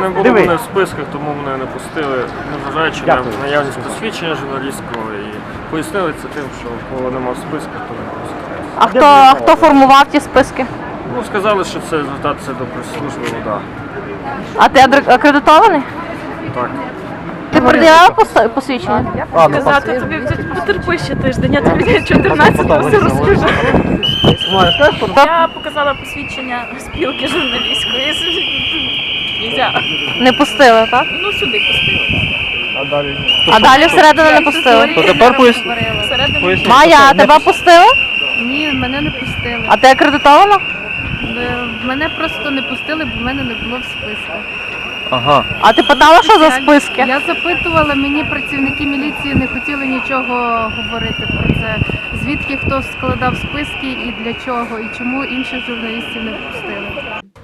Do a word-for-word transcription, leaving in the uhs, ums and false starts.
не було мене в списках, тому мене не пустили, незважаючи на наявність посвідчення журналістського, і пояснили це тим, що коли нема в списках, то не пустили. А хто, хто формував ті списки? Ну, сказали, що це звертатися до прес-служби ОДА. А ти адр- акредитований? Так. Ти пред'явив пос- посвідчення? Сказати тобі, потерпи ще тиждень, я тобі чотирнадцятого все розкажу. Я показала посвідчення спілки журналістської. Нельзя. Не пустили, так? Ну, сюди пустили. А далі всередину не пустили? То тепер поясни. Всередину. Майя, а тебе пустили? Ні, мене не пустили. А ти акредитована? Е, Мене просто не пустили, бо мене не було в списках. Ага. А ти питала, що за списки? Я запитувала, мені працівники міліції не хотіли нічого говорити про це. Звідки хто складав списки і для чого, і чому інших журналістів не пустили.